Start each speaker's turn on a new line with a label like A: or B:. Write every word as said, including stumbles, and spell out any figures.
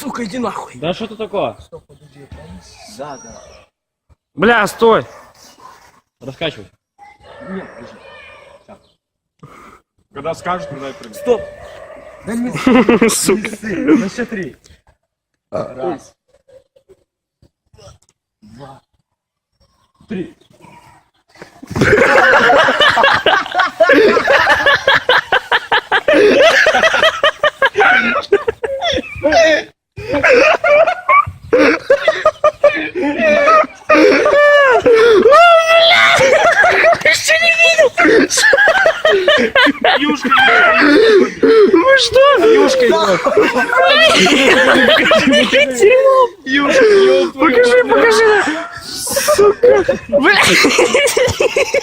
A: сука, иди нахуй.
B: Да что это такое?
A: Стоп, подожди, да, да.
C: Бля, стой.
B: Раскачивай.
A: Нет, подожди.
D: Когда скажешь, тогда и прыгай.
A: Стоп. Да не
C: Сука.
A: на счет три. Раз. Два. Три.
D: Юшка,
C: Вы что?
D: Юшка идет.
C: Покажи, покажи. Сука. Бля.